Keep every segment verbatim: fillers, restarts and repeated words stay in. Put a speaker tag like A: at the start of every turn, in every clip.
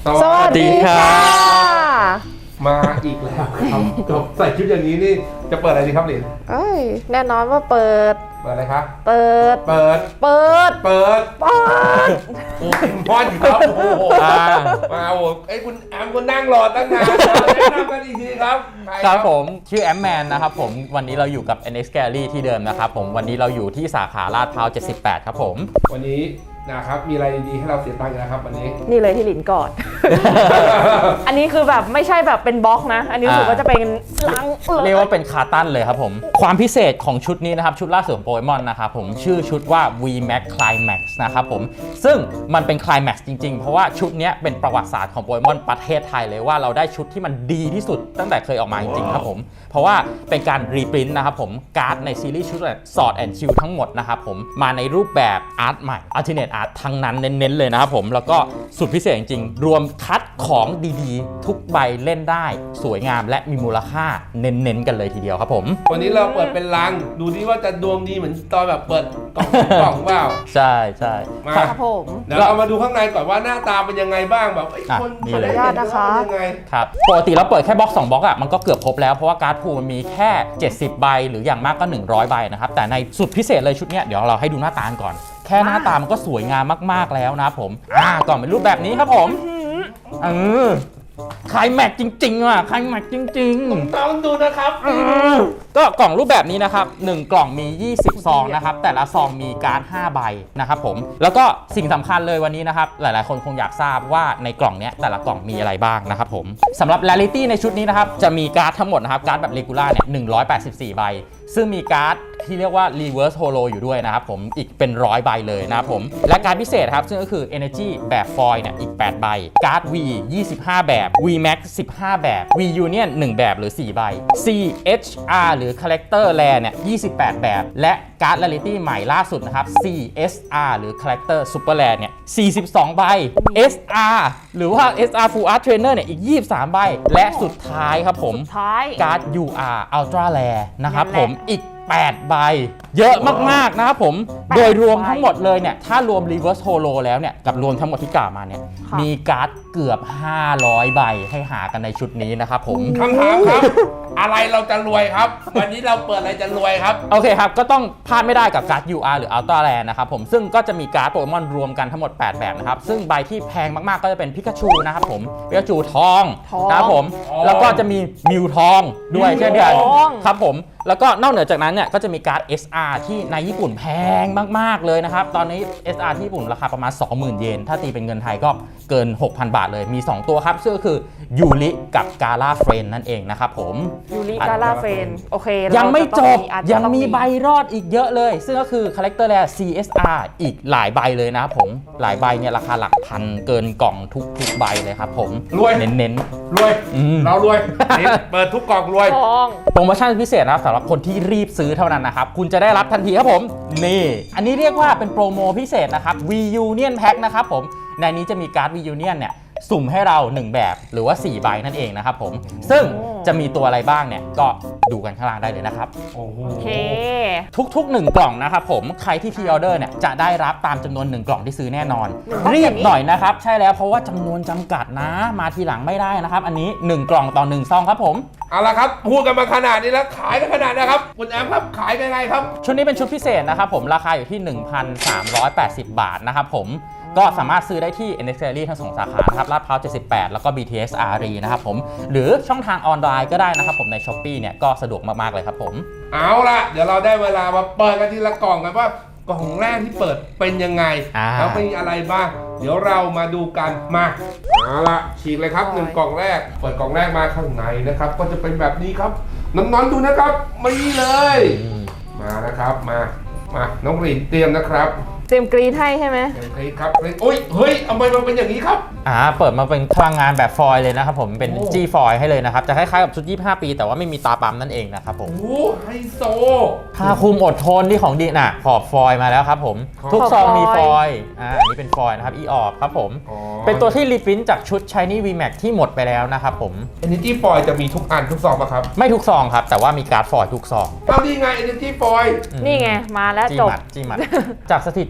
A: สวัสดีค่ะ
B: มาอีกแล้วครับกับใส่ชุดอย่างนี้นี่จะเปิดอะไรดีครับหลิน
A: เอ้ยแน่นอนว่าเปิด
B: เปิดอะไรครับ
A: เปิด
B: เปิด
A: เปิด
B: เปิด
A: เปิด
B: โอ้ยมอนครับโอ้โหมาโอ้ไอ้คุณแอมคุณนั่งรอตั้งนานแนะนำกันอีกทีครับ
C: ครับผมชื่อแอมแมนนะครับผมวันนี้เราอยู่กับ เอ็น เอ็กซ์ Gallery ที่เดิมนะครับผมวันนี้เราอยู่ที่สาขาลาดพร้าวเจ็ดสิบแปดครับผม
B: วันนี้นะครับมีอะไรดีๆให้เราเสียตังค์นะครับวันนี้
A: นี่เลยที่หลินกอด อันนี้คือแบบไม่ใช่แบบเป็นบล็อกนะ อันนี้รู้สึกว่าจะเป็นลัง
C: เรียกว่าเป็นคาร์ตันเลยครับผมความพิเศษของชุดนี้นะครับชุดล่าสุดของโปเกมอนนะครับผมชื่อชุดว่า วี แม็ก Climax นะครับผมซึ่งมันเป็น Climax จริงๆ เพราะว่าชุดนี้เป็นประวัติศาสตร์ของโปเกมอนประเทศไทยเลยว่าเราได้ชุดที่มันดีที่สุดตั้งแต่เคยออกมาจริงๆครับผมเพราะว่าเป็นการรีพรินต์นะครับผมการ์ดในซีรีส์ชุดสอดแอนด์ชิลทั้งหมดนะครับผมมาในรูปแบบอาร์ตใหม่ Alternate Art ทั้งนั้นเน้นๆเลยนะครับผมแล้วก็สุดพิเศษจริงๆรวมคัดของดีๆทุกใบเล่นได้สวยงามและมีมูลค่าเน้นๆกันเลยทีเดียวครับผม
B: วันนี้เราเปิดเป็นลังดูดิว่าจะดวงดีเหมือนตอนแบบเปิดกล่องกล่องเปล่า
C: ใช่ใช่
B: มา
A: ครับผม
B: เดี๋ยวเรามาดูข้างในก่อนว่าหน้าตาเป็นยังไงบ้างแบบไอ้คน
A: ขออนุญาตนะคะ
B: ยังไง
C: ครับปกติเราเปิดแค่บล็อกสองบล็อกอะมันก็เกือบครบแล้วเพราะว่าการ์ดพูลมันมีแค่เจ็ดสิบใบหรืออย่างมากก็หนึ่งร้อยใบนะครับแต่ในสุดพิเศษเลยชุดเนี้ยเดี๋ยวเราให้ดูหน้าตาก่อนแค่หน้าตามันก็สวยงามมากๆแล้วนะครับผมอ่ากล่องเป็นรูปแบบนี้ครับผมเออคลายแม็กจริงๆว่ะคลายแม็กจริงๆ
B: ต้องดูนะครับ
C: ก็กล่องรูปแบบนี้นะครับหนึ่งกล่องมียี่สิบซองนะครับแต่ละซองมีการ์ดห้าใบนะครับผมแล้วก็สิ่งสำคัญเลยวันนี้นะครับหลายๆคนคงอยากทราบว่าในกล่องเนี้ยแต่ละกล่องมีอะไรบ้างนะครับผมสำหรับ Rarity ในชุดนี้นะครับจะมีการ์ดทั้งหมดนะครับการ์ดแบบ Regular เนี่ยหนึ่งร้อยแปดสิบสี่ใบซึ่งมีการ์ดที่เรียกว่า Reverse Holo อยู่ด้วยนะครับผมอีกเป็นร้อยใบเลยนะครับผมและการ์ดพิเศษครับซึ่งก็คือ Energy แบบฟอยล์เนี่ยอีกแปดใบการ์ด V ยี่สิบห้าแบบ V Max สิบห้าแบบ V Union หนึ่งแบบหรือสี่ใบ C H R หรือ Character Rare เนี่ยยี่สิบแปดแบบและการ์ด Rarity ใหม่ล่าสุดนะครับ C S R หรือ Character Super Rare เนี่ยสี่สิบสองใบ S R หรือว่า S R Full Art Trainer เนี่ยอีกยี่สิบสามใบและสุดท้ายครับผม
A: ท้าย
C: การ์ด ยู อาร์ Ultra Rare นะครับ
A: นั่นแหละ
C: ผมอีกแปดใบเยอะมากๆนะครับผมโดยรวมทั้งหมดเลยเนี่ยถ้ารวม Reverse Holo แล้วเนี่ยกับรวมทั้งหมดที่กล่าวมาเนี่ย
A: ค่ะ
C: มีการ์ดเกือบห้าร้อยใบให้หากันในชุดนี้นะครับผม
B: คำถามครับ อะไรเราจะรวยครับ วันนี้เราเปิดอะไรจะรวยครับ
C: โอเคครับก็ต้องพลาดไม่ได้กับการ์ด ยู อาร์ หรือ Ultra Rare นะครับผมซึ่งก็จะมีการ์ดโปเกมอนรวมกันทั้งหมดแปดแบบนะครับซึ่งใบที่แพงมากๆก็จะเป็นพิกาชูนะครับผมพิกาชูทอง
A: ทอง
C: นะครับผม
B: ทอง
C: แล้วก็จะมีมิวทองด้วย
B: มิว
C: เช่นเดียวกัน
A: ทอง
C: ครับผมแล้วก็นอกเหนือจากนั้นเนี่ยก็จะมีการ์ด เอส อาร์ ที่ในญี่ปุ่นแพงมากๆเลยนะครับตอนนี้ เอส อาร์ ที่ญี่ปุ่นราคาประมาณ สองหมื่น เยนถ้าตีเป็นเงินไทยก็เกิน หกพัน บาทเลยมีสองตัวครับซึ่งก็คือยูริกับกาลาเฟรนนั่นเองนะครับผม
A: ยูริกาลาเฟนโอเค
C: ยังไม่จบ
A: อาจจะ
C: ยัง
A: ต้อง
C: มีใบรอดอีกเยอะเลย ซึ่งก็คือ Character Rare ซี เอส อาร์ อีกหลายใบเลยนะครับผมหลายใบเนี่ยราคาหลักพันเกินกล่องทุกทุกใบเลยครับผม
B: รวย
C: เน้น
B: รวย
C: อืม
B: เรารวยนี่เปิดทุกกล่องรวย
A: ทอง
C: ๆโปรโมชั่นพิเศษนะครับสำหรับคนที่รีบซื้อเท่านั้นนะครับคุณจะได้รับทันทีครับผมนี่อันนี้เรียกว่าเป็นโปรโมพิเศษนะครับ V Union Pack นะครับผมในนี้จะมีการ์ด V Union เนี่ยสุ่มให้เราหนึ่งแบบหรือว่าสี่ใบนั่นเองนะครับผมซึ่งจะมีตัวอะไรบ้างเนี่ยก็ดูกันข้างล่างได้เลยนะครับ
B: โอ้โห
A: โอเค
C: ทุกๆหนึ่งกล่องนะครับผมใครที่พรีออเดอร์เนี่ยจะได้รับตามจำนวนหนึ่งกล่องที่ซื้อแน่นอน
A: หนึ่งกล่อง
C: รี
A: แบบ บนี้
C: หน่อยนะครับใช่แล้วเพราะว่าจำนวนจำกัดนะมาทีหลังไม่ได้นะครับอันนี้หนึ่งกล่องต่อหนึ่งซองครับผม
B: เอาละครับพูดกันมาขนาดนี้แล้วขายกันขนาดนี้ครับคุณแอมครับขายกันยังไงครับ
C: ชุดนี้เป็นชุดพิเศษนะครับผมราคาอยู่ที่ หนึ่งพันสามร้อยแปดสิบ บาทนะครับผมก็สามารถซื้อได้ที่ เอ็น เอ็กซ์ Gallery ทั้งสองสาขานะครับลาดพร้าวเจ็ดสิบแปดแล้วก็ บี ที เอส อารี นะครับผมหรือช่องทางออนไลน์ก็ได้นะครับผมใน Shopee เนี่ยก็สะดวกมากๆเลยครับผม
B: เอาละเดี๋ยวเราได้เวลามาเปิดกันทีละกล่องกันว่ากล่องแรกที่เปิดเป็นยังไง
C: อ่า
B: แล้วมีอะไรบ้าง เดี๋ยวเรามาดูกันมาเอาละฉีกเลยครับหนึ่งกล่องแรก เปิดกล่องแรกมาข้างในนะครับ ก็จะเป็นแบบนี้ครับน้องๆดูนะครับมานี่เลย มานะครับมามาน้องหลินเตรียมนะครับ
A: เตรียมกรีดให้ใช่ไหม
B: เตรียมคลิปครับโอ้ยเฮ้ยทำไมมันเป็นอย่างนี้ครับ
C: อ่าเปิดมาเป็นพลังงานแบบฟอยล์เลยนะครับผมเป็น
B: โอ้
C: จี้ฟอยล์ให้เลยนะครับจะคล้ายๆกับชุดยี่สิบห้าปีแต่ว่าไม่มีตาปั๊มนั่นเองนะครับผม
B: โอ้ไฮโซ
C: ผ้าคลุมอดทนที่ของดีน่ะขอบฟอยล์มาแล้วครับผม
B: ขอบ
C: ทุกซองมี
A: ฟ
C: ฟ
A: อ
C: อย
A: ล์
C: ล์อ่าอันนี้เป็นฟอยล์นะครับอีออบครับผม
B: อ๋อ
C: เป็นตัวที่รีพรินท์จากชุด Shiny V Max ที่หมดไปแล้วนะครับผม
B: Energy Foil จะมีทุกอันทุกซองป่ะครับ
C: ไม่ทุกซองครับแต่ว่ามีการ์ดฟอยล์ทุกซอง
B: เอาดีไง Energy Foil
C: อืม
A: นี่ไงมาแล้ว
C: จี้
A: จบ
C: หมัดจี้หมัด จากสถิ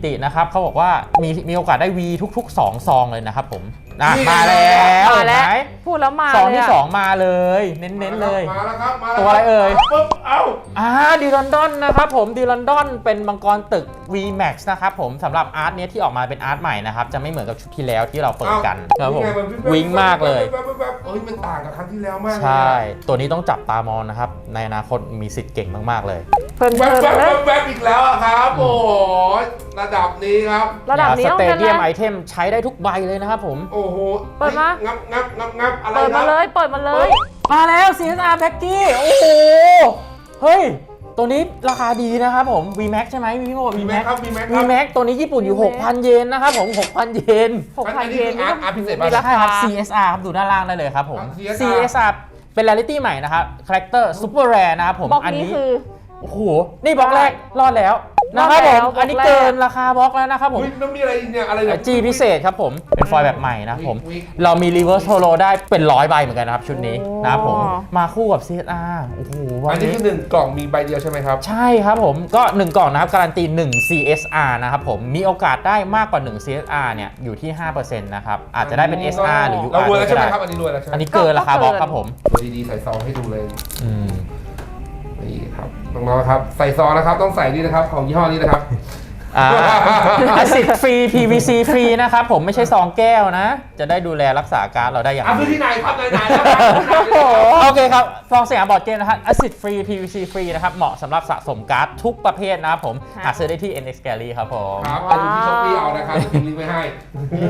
C: ตินะครับเขาบอกว่ามีมีโอกาสได้ V ทุกๆ สอง ซองเลยนะครับผมอ่ะมาแล้ว
A: มา
C: เห็น
A: แล้ว
C: ไหม
A: พูดแล้วมา
C: ซอง
A: เลย
C: ที่
A: อะ
C: สองมาเลยเน้นๆเลย
B: มาแล้วครับมาแล้ว
C: ตัวอะไรเอ่ย
B: ปุ๊บเอ้า
C: อ่าดีลอนดอนนะครับผมดีลอนดอนเป็นมังกรตึก V Max นะครับผมสำหรับอาร์ตเนี้ยที่ออกมาเป็นอาร์ตใหม่นะครับจะไม่เหมือนกับชุดที่แล้วที่เราเปิดกันครับผม
B: นี่ไน
C: วิงมากเลย
B: แว๊บๆแว๊บๆเอ้ยมันต่างกับครั้งที่แล้วมากเลย
C: ใช่ ตัวนี้ต้องจับตามองนะครับในอนาคตมีสิทธิ์เก่งมากๆเลย
A: เพลิน
B: แว๊บ
A: ๆ
B: ๆ
A: เลย
B: แว๊บๆอีกแล้วอะครับโอ้โหระดับนี้ครับ
A: ระดับนี้
C: ส
A: ต้อง
C: เต
A: เป็น
C: เดียม
A: อะ
C: ไอ
A: ไร
C: เทมใช้ได้ทุกใบเลยนะครับผม
B: โอ้โห
A: เปิดมา
B: งับงับงับงับอะไร
A: เปิด
B: ค
A: มา
B: รับ
A: เลยเปิดมาเลย
C: มาแล้ว ซี เอส อาร์ แพ็กกี้โอ้โห เฮ้ย ตัวนี้ราคาดีนะครับผม V Max ใช่ไหมพี่โม
B: มี
C: V
B: แม็ก
C: Max
B: ครับมีแม็กค
C: V
B: รับ
C: Max ตัวนี้ญี่ปุ่นอยู่
A: V Max
C: หกพัน เยนนะครับผม หกพัน เยน
A: หกพัน
B: อันนี้
A: เยน
B: คืออาร์ตอาร์ตพิเศษ
A: มีรา
C: ใช่
A: คา
C: ครับ ซี เอส อาร์ ครับดูด้านล่างได้เลยครับผม
B: อ่ะ ซี
C: ซี
B: เอสอาร์
C: เอส อาร์ เป็น Rarity ใหม่นะครับคาแรคเตอร์ซูเปอร์แรร์นะครับผม
A: บล็อก
C: อัน
A: นี้
C: นี้
A: คือ
C: โอ้โห นี่บล็อกแรกรอดแล้วนะครับ
A: รอด
C: ผ
A: แล้
C: ม
A: วบล็อกแรก
C: อันนี้เกินราคาบล็อกแล้วนะครับผม
B: อุ๊ยแล้วมีอะไรอีกเนี่ยอะไรเนี่ย
C: จีพิเศษครับผม เป็นฟอยล์แบบใหม่นะครับผม
B: วิก
C: เรามี reverse holo ได้เป็นร้อยใบเหมือนกันนะครับ ชุดนี้
A: โอ้
C: นะครับผม มาคู่กับ ซี เอส อาร์ โอ้โหวั
B: อัน
C: น
B: นี้
C: นี้
B: คือหนึ่งกล่องมีใบเดียวใช่ไหมครับ
C: ใช่ครับผม ก็ หนึ่ง กล่องนะครับ การันตี หนึ่ง ซี เอส อาร์ นะครับผม มีโอกาสได้มากกว่า หนึ่ง ซี เอส อาร์ เนี่ย อยู่ที่ ห้าเปอร์เซ็นต์ นะครับ อาจจะได้เป็น เอส อาร์ หรือ ยู
B: เรา
C: อาร์
B: รวยแล้ว
C: ก็
B: ใช่ไหม
C: ได้
B: ครับอันนี้รวยแล้วใช่ไหม
C: อันนี้เกินราคาบล็อกครับผม
B: ตัวดีๆใส่ซองให้ดูเลย
C: อืม
B: นี่ครับน้องๆนะครับใส่ซองนะครับต้องใส่นี่นะครับของยี่ห้อนี้นะครับ
C: อ่าอาซิดฟรี พี วี ซี ฟรีนะครับผมไม่ใช่ซองแก้วนะ จะได้ดูแลรักษาการดเราได้อย่าง
B: อ่ะ
C: ดี
B: คือที่ไหนครับไหนๆนะครับ
C: โอเคครับ ฟองสยามบอร์ดเกมนะครับ Acid Free พี วี ซี Free นะครับ เหมาะสำหรับสะสมการ์ดทุกประเภทนะครับผม
A: ค่ะ
C: หาซื้อได้ที่ เอ็น เอ็กซ์ Gallery ครับผม
B: ครับไปดูที่ช้อปปี้เอานะครับจะทิ้งลิงก์ไว้ให้
A: นี่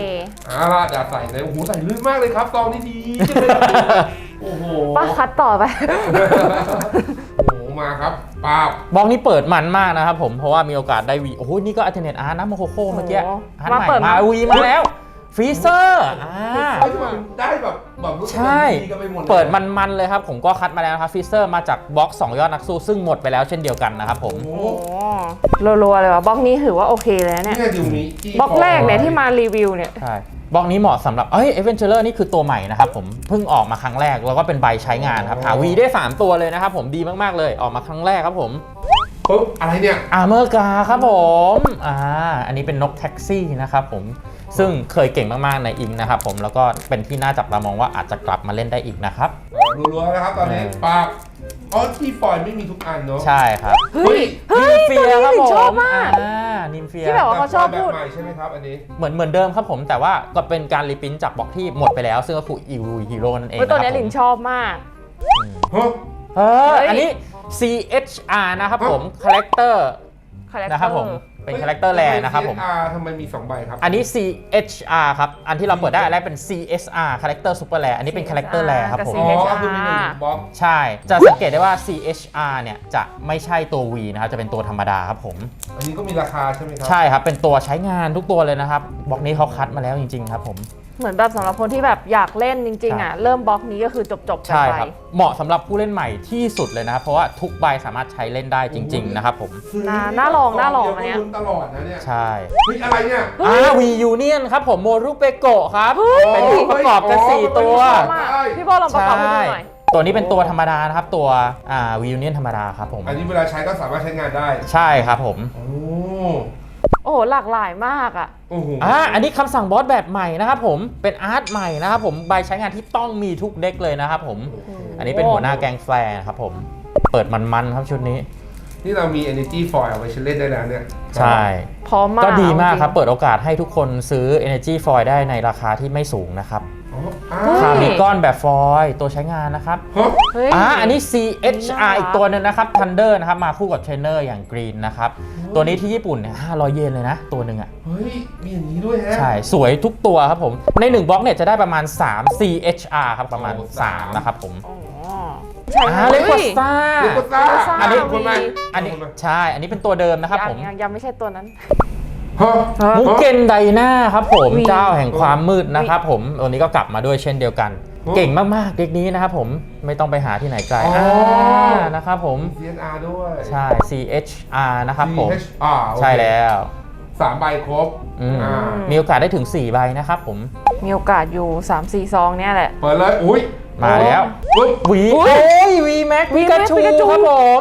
B: เอาล่ะอย่าใส่เลยโอ้โหใส่ลื่นมากเลยครับซองนี่ดีจังเลยโอ้โห
A: ป้าคัดต่อไป
B: โอ้โหมาครับป้าบบ
C: ล็อกนี้เปิดมันมากนะครับผม เพราะว่ามีโอกาสได้วีโอ้โห นี่ก็ Alternate Art นะโมโคโคเมื่อกี้
A: โอ้
C: อาร์ต
A: มา
C: ใหม่
A: เปิด
C: มา
A: มา
C: วีมาแล้วฟรีเซอร์อ่า
B: เฮ้ยทำไมมันได้แบบแบบรู้สึก
C: ใช่
B: ดีกันไปหมดลย
C: เปิดมันๆเลยครับ ผมก็คัดมาแล้วนะครับฟรีเซอร์มาจากบล็อกสองยอดนักสู้ซึ่งหมดไปแล้วเช่นเดียวกันนะครับผม
B: โอ้
A: โอ้รัวๆเลยว่ะบล็อกนี้ถือว่าโอเคเลยนะเนี่ย
B: นี่ดิวนี้
A: บล็อกแรกเนี่ยที่มารีวิวเนี่ย
C: ใช่บล็อกนี้เหมาะสำหรับเอ้ย Adventurer นี่คือตัวใหม่นะครับผมเพิ่งออกมาครั้งแรกแล้วก็เป็นใบใช้งานครับหาวีได้สามตัวเลยนะครับผมดีมากๆเลยออกมาครั้งแรกครับผม
B: ปุ๊บอะไรเนี่ย
C: อาร์เมอร์กาครับผมอ่าอันนี้เป็นนกแท็กซี่นะครับผมซึ่งเคยเก่งมากๆในอิงนะครับผมแล้วก็เป็นที่น่าจับตามองว่าอาจจะกลับมาเล่นได้อีกนะครับ
B: รัวๆนะครับตอนนี้
C: เออ
B: ป้าบอ๋อที่ฟอยล์ไม่มีทุกอันเนาะ
C: ใช่ครับ
A: เฮ้ย เฮ้ย
C: นิมเฟียครับ
A: ตัวนี้หลิง
C: ผ
A: ชอบ
C: ม
A: มาก
C: อ่านิมเฟีย
A: ที่แบบว่า เขาชอบพูด
B: แบบใหม่ใช่ไหมครับอันนี้
C: เหมือนเหมือนเดิมครับผมแต่ว่าก็เป็นการรีพิมพ์จากบล็อกที่หมดไปแล้ว ซึ่งก็คืออีวูฮีโร่นั่นเอง
A: เฮ้ยตัวเนี้ย
C: ะ
A: ห
C: ครับ
A: ลิน
C: ผม
A: ชอบมาก
B: ฮะ
C: เออ
A: เฮ้ย
C: อันนี้ ซี เอช อาร์ นะครับผมคาแรคเตอร์
A: คาแรคเตอร์
C: นะครับผมเป็นคาแรคเตอร์แรนะครับผม
B: ซี เอส อาร์ ทำไมมีสองใบครับ
C: อันนี้ ซี เอช อาร์ ครับ อันที่เราเปิดได้อันแรกเป็น ซี เอส อาร์ Character Super Rare อันนี้เป็น Character Rare ครับผม
B: อ๋อก็คือมีหนึ่งบล็อก
C: ใช่ จะสังเกตได้ว่า ซี เอช อาร์ เนี่ยจะไม่ใช่ตัว V นะครับ จะเป็นตัวธรรมดาครับผม
B: อันนี้ก็มีราคาใช่ไหมครั
C: ใช่ครับ เป็นตัวใช้งานทุกตัวเลยนะครับ บล็อกนี้เขาคัดมาแล้วจริงๆครับผม
A: เหมือนแบบสำหรับคนที่แบบอยากเล่นจริงๆอ่ะ เริ่มบล็อกนี้ก็คือจบๆกัน
C: ใช่
A: ไป
C: ครับ เหมาะสำหรับผู้เล่นใหม่ที่สุดเลยนะครับ เพราะว่าทุกใบสามารถใช้เล่นได้จริง ๆ นะครับผม
A: น่าน่าลองน่าลองอันเนี้ย
B: เดี๋วก็ลุ้นตลอดนะเนี่ย
C: ใช่
B: เฮ้ยอะไรเนี่ย
C: อ่า V Union ครับผมโมรุเปโกะครับ เป็นผู้ประกอบกัน สี่ ตัว
A: ชอบมากพี่โบลองประกอบให้ดูหน่อย
C: ตัวนี้เป็นตัวธรรมดานะครับ ตัวอ่า V Union ธรรมดาครับผม
B: อันนี้เวลาใช้ก็สามารถใช้งานได้
C: ใช่ครับผม
B: โอ้
A: โอ้โหหลากหลายมากอ่ะ
B: โอ้โห
C: อ่า อันนี้คำสั่งบอสแบบใหม่นะครับผม เป็นอาร์ตใหม่นะครับผม ใบใช้งานที่ต้องมีทุกเด็กเลยนะครับผม อันนี้เป็นหัวหน้าแก๊งแฟร์ครับผม เปิดมันๆครับชุดนี้
B: นี่เรามี Energy Foil เอาไว้ใช้เล่นได้แล้วเนี่ย
C: ใช่
A: พร้อมมาก
C: ก็ดีมากครับ
A: เอ
C: เปิดโอกาสให้ทุกคนซื้อ Energy Foil ได้ในราคาที่ไม่สูงนะครับ
B: อ๋ออ่า
A: เฮ้ย
C: คาร์บิกอนแบบฟอยล์ตัวใช้งานนะครับ
B: ฮะ
A: จริงเฮ้ย
C: อ่า อันนี้ ซี เอช อาร์
A: น่ารัก
C: อีกตัวหนึงนะครับ Thunder นะครับ มาคู่กับเทรนเนอร์อย่าง Green นะครับ ตัวนี้ที่ญี่ปุ่นเนี่ยห้าร้อยเยนเลยนะ ตัวหนึ่งอ่ะ
B: เฮ้ย มีอย่างนี้ด้วยแฮะ
C: ใช่ สวยทุกตัวครับผม ในหนึ่งบล็อกเนี่ยจะได้ประมาณ สาม ซี เอช อาร์ ครับ ประมาณ
B: โอ้
C: สาม นะครับผม
A: อ๋อใช่
C: อ่า
A: ค่ะ
C: เลโก
A: ฮ้ย
C: สตา
B: เลโกต้า
C: อันนี้
B: คนไหม
C: อันนี้ใช่ อันนี้เป็นตัวเดิมนะครับผม
A: ยังยังยังไม่ใช่ตัวนั้น
B: ฮะ
C: มุกเกนไดนาครับผม
A: วี
C: เจ้าแห่งความมืดนะครับผมตัวนี้ก็กลับมาด้วยเช่นเดียวกัน
B: โอ้
C: เก่งมากๆเด็กนี้นะครับผมไม่ต้องไปหาที่ไหนไกล
B: อ๋ออ่
C: านะครับผม
B: ซี เอส อาร์ ด้วย
C: ใช่ ซี เอช อาร์ นะครับผม
B: ซี เอช อาร์ โอเค
C: ใช่แล้ว
B: สามใบครบ
C: อืม
B: อ่า
C: มีโอกาสได้ถึง สี่ ใบนะครับผม
A: มีโอกาสอยู่ สามสี่ ซองเนี่ยแหละ
B: เปิดเลย อุ้ย
C: มาแล้ว
B: ปุ๊บ
C: วี
A: อุ๊
C: โอ้
A: ย
C: ยวีแม็ก
A: V
C: พิกา
A: Max
C: ชู
A: Pikachu
C: ครับผม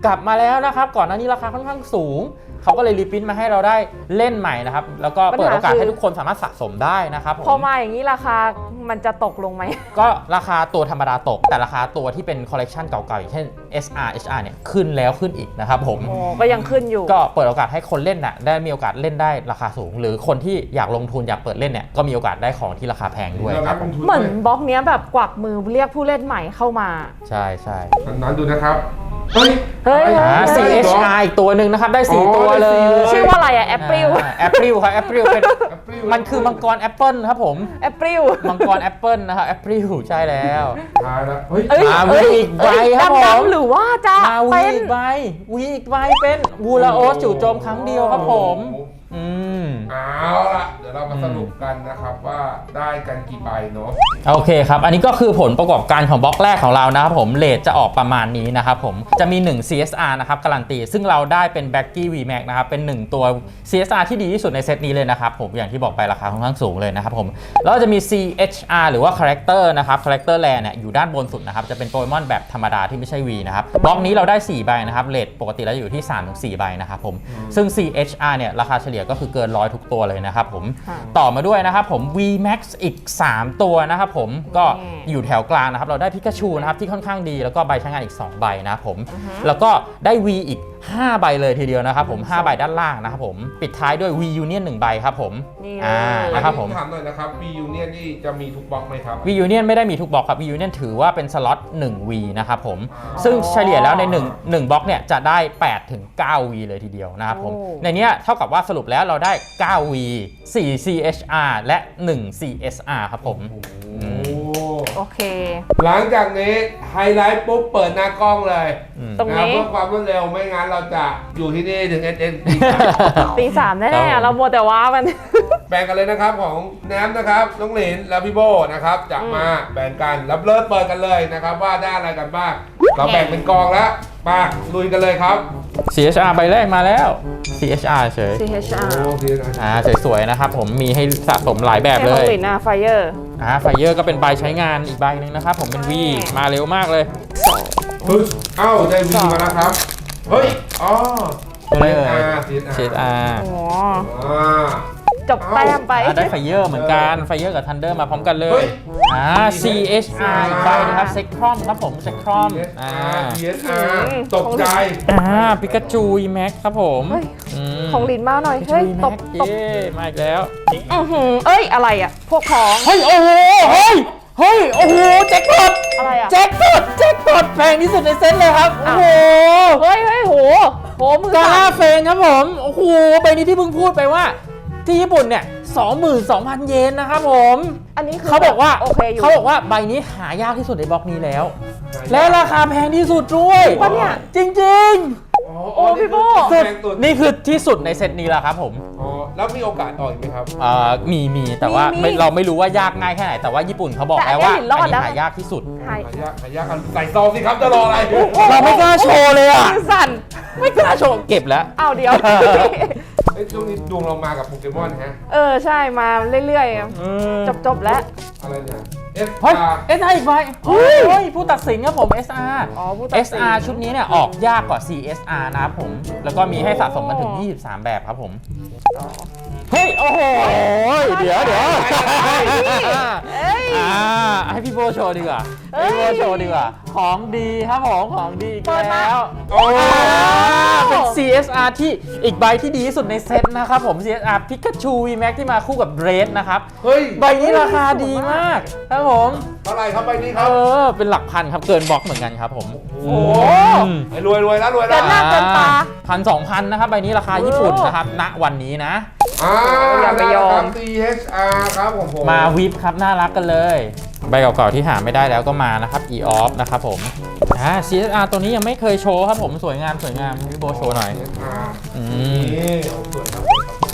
C: กลับมาแล้วนะครับก่อนหน้านี้ราคาค่อนข้างสูงเขาก็เลยรีพิมพ์มาให้เราได้เล่นใหม่นะครับแล้วก็เปิดโอกาสให้ทุกคนสามารถสะสมได้นะครับผม
A: พอมาอย่างนี้ราคามันจะตกลงไหม
C: ก็ราคาตัวธรรมดาตกแต่ราคาตัวที่เป็นคอลเลกชันเก่าๆอย่างเช่น เอส อาร์ เอช อาร์ เนี่ยขึ้นแล้วขึ้นอีกนะครับผม
A: โอ้ก็ยังขึ้นอยู่
C: ก็เปิดโอกาสให้คนเล่นน่ะได้มีโอกาสเล่นได้ราคาสูง หรือคนที่อยากลงทุนอยากเปิดเล่นเนี่ยก็มีโอกาสได้ของที่ราคาแพงด้วยครับผม
A: เหมือนบล็อกเนี้ยแบบกวักมือเรียกผู้เล่นใหม่เข้ามา
C: ใช่ใช่
B: นั้นดูนะครับเฮ้ย
A: เฮ้ย
C: อ่า
A: เฮ้ย
C: ซี เอช อาร์ อีกตัวหนึ่งนะครับได้สี่
B: อ๋อ
C: ตัว
B: ได้
C: เล
B: สี่
C: ย
B: เลย
A: ชื่อว่าอะไรอะแอปเปิล
C: แอปเปิลครับแอปเปิลเป็น
B: April
C: มันคือมังกรแอปเปิลครับผม
A: แอปเปิล
C: มังกรแอปเปิลนะครับแอปเปิลใช่แล้ว
B: ทายแล้วเฮ้ย
A: เอ้ย
C: มา
A: เอ้ย
C: วีอีกใบครับผม
A: ดำๆหรือว่าจะ
C: มาวี
A: เป็น
C: อีกใบวีอีกใบเป็นวูลาโอสจู่โจมครั้งเดียวครับผมอืม
B: เอาล่ะเดี๋ยวเรามาสรุปกันนะครับว่าได้กันกี่ใบเนาะ
C: โอเคครับ อันนี้ก็คือผลประกอบการของบล็อกแรกของเรานะครับผมเรทจะออกประมาณนี้นะครับผมจะมีหนึ่ง ซี เอส อาร์ นะครับการันตีซึ่งเราได้เป็น Baggy V-Max นะครับเป็นหนึ่งตัว ซี เอส อาร์ ที่ดีที่สุดในเซตนี้เลยนะครับผมอย่างที่บอกไปราคาค่อนข้างสูงเลยนะครับผมแล้วจะมี ซี เอช อาร์ หรือว่า Character นะครับ Character Rare เนี่ยอยู่ด้านบนสุดนะครับจะเป็นโปเกมอนแบบธรรมดาที่ไม่ใช่ V นะครับบล็อกนี้เราได้สี่ใบนะครับเรทปกติแล้วอยู่ที่ สามถึงสี่ ใบนะครับผมซึ่ง ซี เอช อาร์ เนี่ยราคาเฉลี่ยก็คือเกินร้อยทุกตัวเลยนะครับผม
A: ค่ะ
C: ต่อมาด้วยนะครับผม V-Max อีกสามตัวนะครับผมก็อยู่แถวกลางนะครับเราได้พิกาชูนะครับที่ค่อนข้างดีแล้วก็ใบใช้งานอีกสองใบนะครับผมแล้วก็ได้ V อีกห้าใบเลยทีเดียวนะครับผมห้าใบด้านล่างนะครับผมปิดท้ายด้วย V Union หนึ่งใบครับผม
A: นี่
C: อ่า
A: เลย
C: นะครับผม
B: ถามหน่อยนะครับ V Union นี่จะมีทุกบล็อกไหมครับ
C: V Union ไม่ได้มีทุกบล็อกครับ V Union ถือว่าเป็นสล็อตหนึ่ง V นะครับผม
B: อ๋อ
C: ซึ่งเฉลี่ยแล้วใน1 1บล็อกเนี่ยจะได้แปดถึงเก้า V เลยทีเดียวนะครับผม
A: โอ้
C: ในเนี้ยเท่ากับว่าสรุปแล้วเราได้เก้า V สี่ ซี เอช อาร์ และหนึ่ง ซี เอส อาร์ ครับผม
B: โอ้
A: โอเค
B: หลังจากนี้ไฮไลท์ปุ๊บเปิดหน้ากล้องเลย
C: อืม
A: ตรงนี้
B: ะเพื่อความรวดเร็วไม่งั้นเราจะอยู่ที่นี่ถึง เอส เอ็น
A: ตีสาม
C: ครั
A: แน่
C: บผม
A: ๆเรามัวแต่ว้ามัน
B: แบ่งกันเลยนะครับของแนมนะครับน้องหลินและพี่โบนะครับจะมาแบ่งกันรับเลิศเปิดกันเลยนะครับว่าได้อะไรกันบ้างเราแบ่งเป็นกองแล้วมาลุยกันเลยครับ
C: ซี เอช อาร์ ใบแรกมาแล้ว ซี เอช อาร์ เฉย
A: ซี เอช อาร์
B: โอ้ดีนะ
C: อ่าสวยๆนะครับผมมีให้สะสมหลายแบบเล
A: ให้
C: ย
A: ของลินนะไฟเยอร์
C: อ่าไฟเยอร์ก็เป็นใบใช้งานอีกใบหนึ่งนะครับผมเป็น V มาเร็วมากเลย
B: เฮ้ยเอ้าได้วีมาแล้วครับเฮ้ยอ๋อ
C: ตัวอะไรเอ่ย
B: ซี
C: เชดอาร์
A: โอ้
B: อ่า
A: จบแต้มไป
C: ได้ไฟเยอร์เหมือนกันไฟเยอร์กับทันเดอร์มาพร้อมกันเล
B: เฮ้
C: ย
B: ย
C: อ่า ซี เอช อาร์ อีกใบนะครับเซ็กครอมครับผมเซ็กครอมอ่า
B: ซี เอส อาร์ ตกใจ
C: อ่าปิกาจูอีแม็กครับผม
A: เฮ้ย
C: ม
A: ของลินมาหน่อย
C: ปิกา
A: เฮ้ย
C: จู
A: ตบ
C: อี
A: ต
C: แม็
A: บ
C: กเย้มาอีกแล้ว
A: อือหือเอ้ย อะไรอ่ะ พวกของ
C: เฮ้ยโอ้โหเฮ้ยเฮ้ยโอ้โหแจ็คพอต
A: อะไรอ่ะ
C: แจ็คพอตแจ็คพอตแพงที่สุดในเซ็ตเลยครับโอ้โห
A: เฮ้ยเฮ้ยโหโหมือก
C: า
A: สั่
C: ล่าน เฟงครับผม โอ้โหใบนี้ที่เพิ่งพูดไปว่า ที่ญี่ปุ่นเนี่ย สองหมื่นสองพัน เยนนะครับผม
A: อันนี้คือ
C: เขาบอกว่า
A: โอเคอยู่
C: เขาบอกว่าใบนี้หายากที่สุดในบล็อกนี้แล้ว และราคาแพงที่สุดด้วย
A: ปะเนี่ย
C: จริง
A: โอ้พี่โบ้
B: แพงสุด
C: ๆ นี่คือที่สุดในเซตนี้แล้วครับผม
B: อ๋อแล้วมีโอกาสต่ออีกไหมครับ
C: เอ่อมีมีแต่ว่าไม่เราไม่รู้ว่ายากง่ายแค่ไหน แต่ว่าญี่ปุ่นเขาบอกแล้วว่าอันนี้หายากที่สุด
A: หาย
B: หายากหายากกันใส่ซองสิครับจะรออะไร
C: เราไม่กล้าโชว์เลยอ่ะ
A: มือสั่น
C: ไม่กล้าโชว์เก็บแล้ว
A: อ้าวเดี๋ยว
B: เอ้ยช่วงนี้ดวงเรามากับโปเกมอนฮะ
A: เออ ใช่มาเรื่อยๆ จบจบๆแล้ว
B: อะไรเนี่ยเอส
C: เฮ้ย
B: อาร์
C: เอส อาร์ อีกใบเฮ้ยผู้ตัดสินครับผม เอส อาร์
A: อ๋อผู้ตัด
C: เอ
A: สิ
C: ส
A: น
C: อาร์ ชุดนี้เนี่ยออกยากกว่า ซี เอส อาร์ นะครับผม แล้วก็มีให้สะสมกันถึง ยี่สิบสาม แบบครับผม เฮ้ย โอ้โห เดี๋ยวเดี๋ยว
A: เอ้ย
C: อ่าให้พี่โบโชว์ดีกว่า
A: เอ้ย
C: พี่โบโชว์ดีกว่า ของดีครับผม ของดีอีก
A: เปิดมา
C: แล้ว
B: โอ้
C: อ่าเป็น ซี เอส อาร์ ที่อีกใบที่ดีที่สุดในเซตนะครับผม ซี เอส อาร์ Pikachu V-Max ที่มาคู่กับเรดนะครับ
B: เฮ้ย
C: ใบนี้ราคาดีมากครับผม
B: เท่าไหร่ครับใบนี้ค
C: เอ
B: รับ
C: อ เป็นหลักพันครับ เกินบล็อกเหมือนกันครับผม
B: โอ้โหไอ้รวยรวยแล้วรวย
A: เกิ
B: แล้ว
A: นหน้าเกินตา
C: พันสองพันนะครับ ใบนี้ราคาญี่ปุ่นนะครับ ณ วันนี้นะ
B: อ่า
A: อย่าไปยอม
B: ซี เอช อาร์ ครับผมผม
C: มาวิปครับ น่ารักกันเลย ใบเก่าๆที่หาไม่ได้แล้วก็มานะครับ E-Off นะครับผม อ่า ซี เอส อาร์ ตัวนี้ยังไม่เคยโชว์ครับผม สวยงามสวยงามพี่โบโชว์หน่อย
B: ซี เอส อาร์
C: อืม
B: นี่โอ้สวยครับ
C: ทิ้ง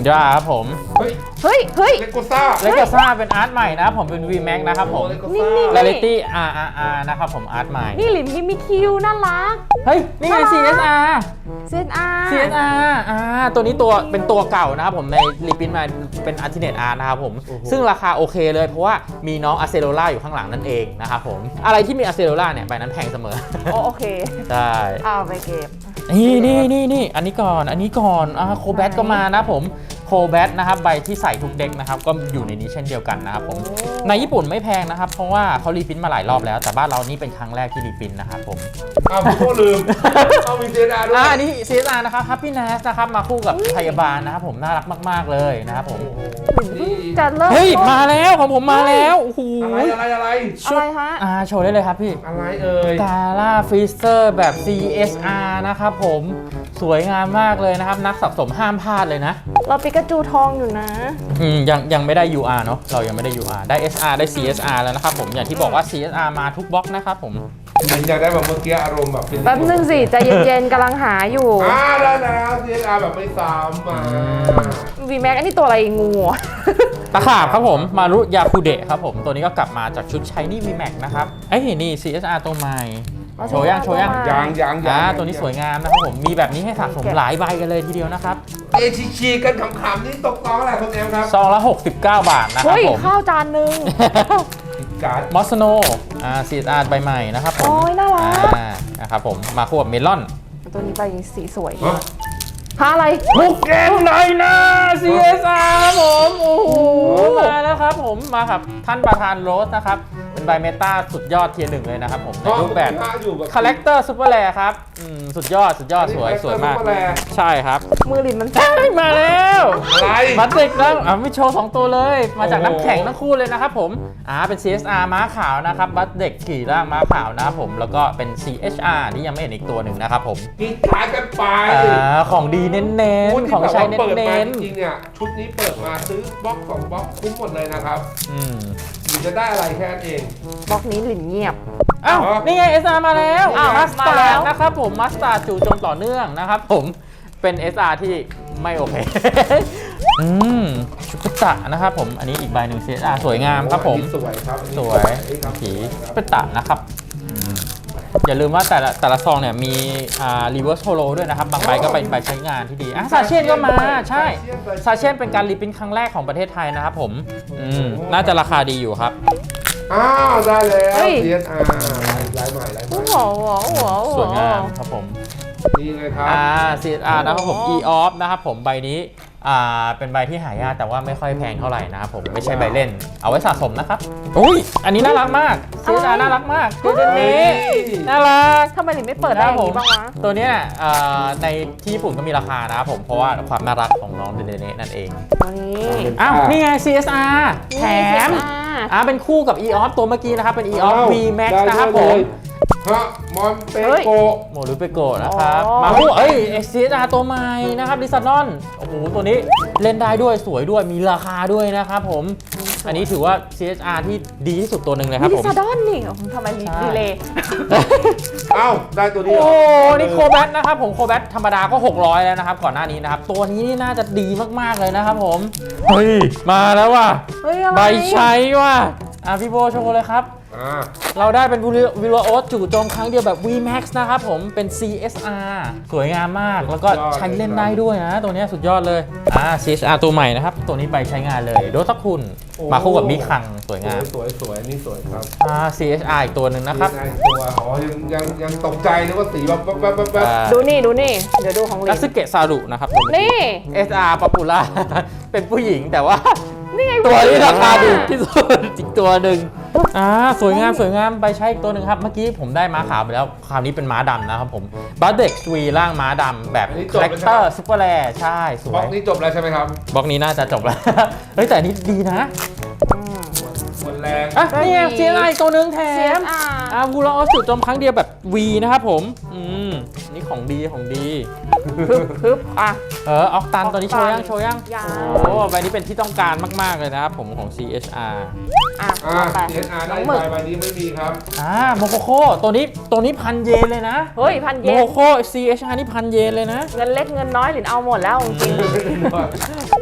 C: ดราครับผม
B: เฮ้ย
A: เฮ้ยเฮ้ย
B: เลโกซ่า
C: เลกาซ่าเป็นอาร์ตใหม่นะครับผมเป็น วี แม็ก นะครับผม
B: เลโก
A: นี่
B: ซ่า
A: นี่
C: เร a ลิตี้ อาร์ อาร์ อาร์ นะครับผมอาร์ตใหม่
A: นี่หลินที่มีคิวน่ารัก
C: เฮ้ย นี่ไง ซี เอส อาร์
A: เซนอา
C: ซี เอส อาร์ อ่า ตัวนี้ตัวเป็นตัวเก่านะครับผมในรีพินมาเป็นอัลติเนตอาร์นะครับผม ซึ่งราคาโอเคเลยเพราะว่ามีน้องอะเซโ o ล่าอยู่ข้างหลังนั่นเองนะครับผม อะไรที่มีอะเซโ o ล่าเนี่ยใบนั้นแพงเสมอ
A: โอโอเค
C: ใช่
A: เอาไปเก็บ
C: นี่นี่นี่นี่อันนี้ก่อน อันนี้ก่อนอ่าโคแบทก็มานะผมโคแบทนะครับใบที่ใส่ทุกเด็กนะครับก็อยู่ในนี้เช่นเดียวกันนะครับผมในญี่ปุ่นไม่แพงนะครับเพราะว่าเขารีพินมาหลายรอบแล้วแต่บ้านเรานี่เป็นครั้งแรกที่รีพินนะครับผม
B: อ้าวพี่โก้ลืม เอามีเจดาด้วย
C: อ่าอันนี้ ซี เอส อาร์ นะครับ Happiness นะครับมาคู่กับพยาบาลนะครับผมน่ารักมากๆเลยนะครับผม
B: นี่
A: จะเลิก
C: เฮ้ยมาแล้วของผมมาแล้วโอ้โห
B: อะไรอะไรอะไร
A: อะไรฮะ
C: อ่าโชว์ได้เลยครับพี่
B: อะไรเอ่ย
C: กาล่าฟรีเซอร์แบบ ซี เอส อาร์ นะครับผมสวยงามมากเลยนะครับนักสะสมห้ามพลาดเลยนะ
A: เราปิกาจูทองอยู่นะ
C: อืมยังยังไม่ได้ ยู อาร์ เนอะเรายังไม่ได้ ยู อาร์ ได้ เอส อาร์ ได้ ซี เอส อาร์ แล้วนะครับผมอย่างที่บอกว่า ซี เอส อาร์ มาทุกบล็อกนะครับผม
B: เหมือนอยากได้แบบเมื่อกี้อารมณ์แบบเป็น
A: แป๊บนึงสิใจเย็นๆกำลังหาอยู่
B: อ่าได้แล้วเจดาแบบไม่ซ้ำมา
A: วีแม็กอันนี้ตัวอะไรงู
C: ตะขาบครับผมมารุยาคูเดะครับผมตัวนี้ก็กลับมาจากชุด Shiny V Max นะครับไอ้ยนี่ ซี เอส อาร์ ตัวใหม่โชว์ยังโชว์ยัง
B: ยางยางยา
C: อ่าง ตัวนี้สวยงามนะครับผมมีแบบนี้ให้สะสมหลายใบกันเลยทีเดียวนะครับ
B: เอชิชีกันขำๆนี่ตกต้องอะไรคุณแอมครับ
C: ซองละหกสิบเก้าบาทนะครับ
A: เฮ้ย
C: ผม
A: ข้าวจานหนึ่ง
B: การ์ด
C: มอสโนอ่า ซี เอส อาร์ ใบใหม่นะครับผม
A: โอ้ยน่ารัก
C: อ่านะครับผมมาคู่กับเมลอน
A: ตัวนี้ใบสีสวย
B: ฮะ
A: หาอะไร
C: บุกเกนไดนา ซี เอส อาร์ ครับผมโอ้โหมาแล้วครับผมมาครับท่านประธานโรสนะครับเป็นใบเมตาสุดยอดเทียร์หนึ่งเลยนะครับผมในรูปแบบ
B: อยู่แบบ
C: คาแรคเตอร์ซูเปอร์แรร์ครับอืมสุดยอดสุดยอดสวยสวยมาก
B: ซุปเปอร์แรร์
C: ใช่ครับ
A: มือหลินมัน
C: เอ้ยมาแล้ว
B: อะไร
C: บัตเด็กแล้วอ่ะไม่โชว์สองตัวเลย มาจากน้ำแข็งทั้งคู่เลยนะครับผมอ่าเป็น ซี เอส อาร์ ม้าขาวนะครับบัตเด็กขี่ร่างม้าขาวนะครับผมแล้วก็เป็น ซี เอช อาร์ ที่ยังไม่เห็นอีกตัวหนึ่งนะครับผม
B: กินขายกันไป
C: อ่าของดีเน้นๆของใช้เ
B: เปิดมา
C: น้น
B: จริงๆเนี่ยชุดนี้เปิดมาซื้อบล็อกสองบล็อกคุ้มหมดเลยนะครับ
C: ๆอืม
B: หรือจะได้อะไรแค่นั้นเอง
A: บล็อกนี้หลินเงียบ
C: อ้าว
B: อ๋อ
C: นี่ไง เอส อาร์ มาแล้ว
A: อ้าว
C: มัส
A: มา
C: ตา
A: แล้
C: ร์ด
A: ว
C: นะครับผมมัสตาร์ดจู่โจมต่อเนื่องนะครับผมเป็น เอส อาร์ ที่ไม่โอเค อืมชุกุตะนะครับผมอันนี้อีกใบหนึ่ง ซี เอส อาร์ สวยงามครับผม
B: อันนี้สวยครับอันนี้
C: สวย
B: ครับ
C: ผีเป็นตะนะครับอืมอย่าลืมว่าแต่ละแต่ละซองเนี่ยมีอ่า reverse holo ด้วยนะครับ บางใบก็เป็นใบใช้งานที่ดีอ่ะซาเชียนก็มาใช่ซาเชียนเป็นการรีพินครั้งแรกของประเทศไทยนะครับผมอืมน่าจะราคาดีอยู่ครับ
B: อ้าวได้แล้ว
A: เฮ้ย
B: เซียนอาร์ลายใหม่ลายใหม่
A: โอ้โหโอ้โหโอ้โห
C: สวยงามครับผม
B: นี่ไงครับ
C: อ่า ซี เอส อาร์ นะครับผม
A: โอ้
C: E off นะครับผมใบนี้อ่าเป็นใบที่หายากแต่ว่าไม่ค่อยแพงเท่าไหร่นะครับผมไม่ใช่ใบเล่น เอาไว้สะสมนะครับอุ้ยอันนี้น่ารักมาก ซี เอส อาร์ น่ารักมากตัวนี้น่ารัก
A: ทำไมหลินไม่เปิดได้อย่างนี้บ้างวะ
C: ตัวเนี้ยเอ่อในที่ญี่ปุ่นก็มีราคานะครับผมเพราะว่าความน่ารักของน้องเดเนเน่นั่นเอง
A: ตัวนี้
C: อ้าวนี่ไง ซี เอส อาร์ แถม
A: อ่า
C: อ่าเป็นคู่กับ E off ตัวเมื่อกี้นะครับเป็น E off
B: อ้าว
C: V Max
B: ได้
C: นะครับ
B: เล
C: ผม
B: ยฮะมอนเป
A: เฮ้ย
B: โก
C: โมรุเปโกะนะครับ
A: อ๋อ
C: มาคู่เอ้ย ซี เอส อาร์ ตัวใหม่นะครับดิซานอนโอ้โหตัวนี้เล่นได้ด้วยสวยด้วยมีราคาด้วยนะครับผมอันนี้ถือว่า ซี เอส อาร์ ที่ดีที่สุดตัวหนึ่งเลยครับ
A: ดิ
C: ผม
A: ซาดอนนี่โอ้โหทำไมรี
C: ใช่
A: ดีเลย
B: เอ้าได้ตัวนี้
C: โอ้
B: เหรอ
C: นี่โคแบทนะครับผมโคแบทธรรมดาก็หกร้อยแล้วนะครับก่อนหน้านี้นะครับตัวนี้นี่น่าจะดีมากๆเลยนะครับผมเฮ้ยมาแล้วว่ะ
A: เฮ้ยอะไร
C: ใบใช้ว่ะอ่ะพี่โบโชว์เลยครับ
B: อ่า
C: เราได้เป็นวิลโอสจู่โจมครั้งเดียวแบบ V Max นะครับผมเป็น ซี เอส อาร์ สวยงามมากแล้วก็ใช้เล่นได้ด้วยนะตัวเนี้ยสุดยอดเลยอ่า ซี เอส อาร์ ตัวใหม่นะครับตัวนี้ไปใช้งานเลยโดซักคุณมาคู่กับมิคังสวยงาม
B: สวยสวยๆนี่สวยครับ
C: อ่า ซี เอส อาร์ อีกตัวหนึ่งนะครับ
B: นี่ไงตัวอ๋อยังยังยังตกใจนึกว่าสีแบบแบบแบบแบบแบบ
C: อ่า
A: ดูนี่ดูนี่ เดี๋ยวดูของหลิ
C: กาน ซึเกะซารุนะครับ
A: นี่
C: เอส อาร์ ป๊อปปูล่า เป็นผู้หญิงแต่ว่า
A: นี่ไง
C: ตัวที่ราคาถูกที่สุดอีกตัวหนึ่งอ่าสวยงามสวยงามไปใช้อีกตัวหนึ่งครับ เมื่อกี้ผมได้ม้าขาวไปแล้ว คราวนี้เป็นม้าดำนะครับผมบัตเด็กวีร่างม้าดำแบบคาแรคเตอร์ซุปเปอร์แรร์ใช่ส
B: บ
C: ว
B: ล็อย กนี้จบแล้วใช่ไหมครับ
C: บล็อกนี้น่าจะจบแล้ว เฮ้ยแต่อันนี้ดีนะ
A: อืม
B: หมดแรง
C: อ่ะนี่ไงเซียนไอตัวหนึ่งแถ
A: เซีย
C: ม
A: นอ่า
C: อ่าวูลออสจุดโจมครั้งเดียวแบบ V นะครับผมอืมนี่ของดีของดี
A: พึบพึบอ่ะ
C: เออออกตันตัวนี้โชว์ยังโชว์ยัง
A: ยัง
C: โอ้ใบนี้เป็นที่ต้องการมากๆเลยนะครับผมของ ซี เอช อาร์
A: อ่ะ
B: อ่า
A: เอาไป
B: เอสอาร์
A: น้
B: ได้
A: องหมึก
B: ใบใบนี้ไม่มีครับ
C: อ่าโมโคโคตัวนี้ตัวนี้พันเยนเลยนะ
A: เฮ้ยพัน
C: โม
A: เย
C: โค
A: น
C: โค ซี เอช อาร์ นี่พันเยนเลยนะ
A: เงินเล็กเงินน้อยหลินเอาหมดแล้วจริง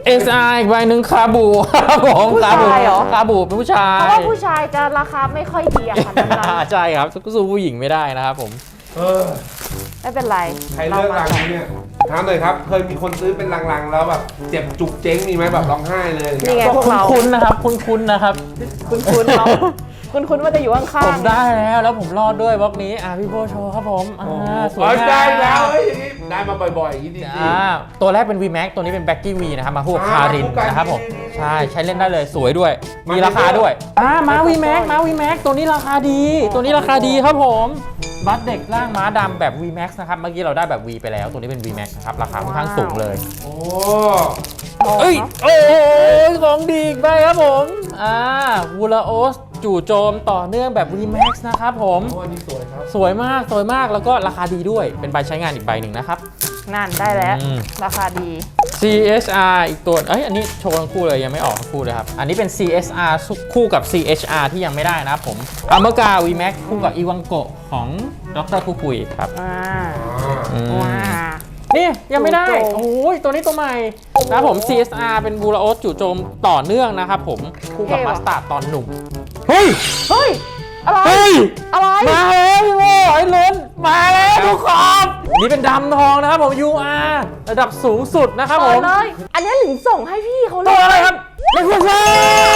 C: เอส อาร์ อีกใบหนึ่งคาบูครับผม
A: ผู้ชายเหรอ
C: คาบูเป็นผู้ชาย
A: เพราะว่าผู้ชายจะราคาไม่ค่อยดีอะค่ะนั้น
C: ใช่ครับสู้ผู้หญิงไม่ได้นะครับผม
B: เออ
A: ๆไม่เป็นไร
B: ใครเลือกรังนี้เนี่ยถามหน่อยครับ เคยมีคนซื้อเป็นลังๆแล้วแบบเจ็บจุกเจ๊งมีไหมแบบร้องไห้เลย
A: นี่ไง
C: ก็
A: พวกเรา
C: คุ้นๆนะครับคุ้นๆนะครับ
A: คุณคุณเนาะคุณคุณว่าจะอยู่ข้าง
C: ผมได้แล้วแล้วผมรอดด้วยบล็อกนี้อ่ะพี่โบโชว์ครับผมอ่าสวย
B: เออง
C: าม
B: ได้แล้วเฮ้ยอย่างนี้ได้มาบ่อยๆอย่างนี้ดี
C: อ่าตัวแรกเป็น V Max ตัวนี้เป็น Becky V นะครับมาคู่กับ
B: อ่า
C: คาริน
B: คู่กัน
C: นะครับผม
B: ดีๆ
C: ใช่ใช้เล่นได้เลยสวยด้วย
B: มา
C: มีราคาด้วยอ่ามา V Max มา V Max ตัวนี้ราคาดี ตัวนี้ราคาดีครับผมบัสเด็กร่างม้าดำแบบ V Max นะครับเมื่อกี้เราได้แบบ V ไปแล้วตัวนี้เป็น V Max นะครับราคาค่อนข้างสูงเลย
B: โอ้
A: ๆ
C: เอ้ยโอ้ยของดีอีกไปครับผมอ่าวูลาโอสจู่โจมต่อเนื่องแบบ V Max นะครับผม
B: โหอันนี้สวยครับ
C: สวยมากสวยมากแล้วก็ราคาดีด้วยเป็นใบใช้งานอีกใบหนึ่งนะครับ
A: นั่นได้แล้ว
C: อืม
A: ราคาดี
C: ซี เอส อาร์ อีกตัวเอ้ยอันนี้โชว์ทั้งคู่เลยยังไม่ออกทั้งคู่เลยครับ อันนี้เป็น ซี เอส อาร์ คู่กับ ซี เอช อาร์ ที่ยังไม่ได้นะครับผมอเมกา V Max คู่กับอีวังโกะของดรคุคุยครับ
A: อ่า
B: อ่า
C: อืม
A: ว้า
C: นี่ยังไม่ได้
A: จู่โจม
C: โอ้ยตัวนี้ตัวใหม่นะครับผม ซี เอส อาร์ เป็นบูราโอสจู่โจมต่อเนื่องนะครับผมคู่กับมาสตาร์ดตอนหนุ่มเฮ้ย
A: เฮ้ย อะไร
C: เฮ้ย
A: อะไร
C: มาแล้วพี่โว้ไอ้ล้นมาแล้วทุกคนนี่เป็นดำทองนะครับผม ยู อาร์ ระดับสูงสุดนะครับผ
A: เปิด
C: ม
A: เลย อันนี้หลิงส่งให้พี่เขาเล
C: ตัวย อะไรครับเลคูซ่า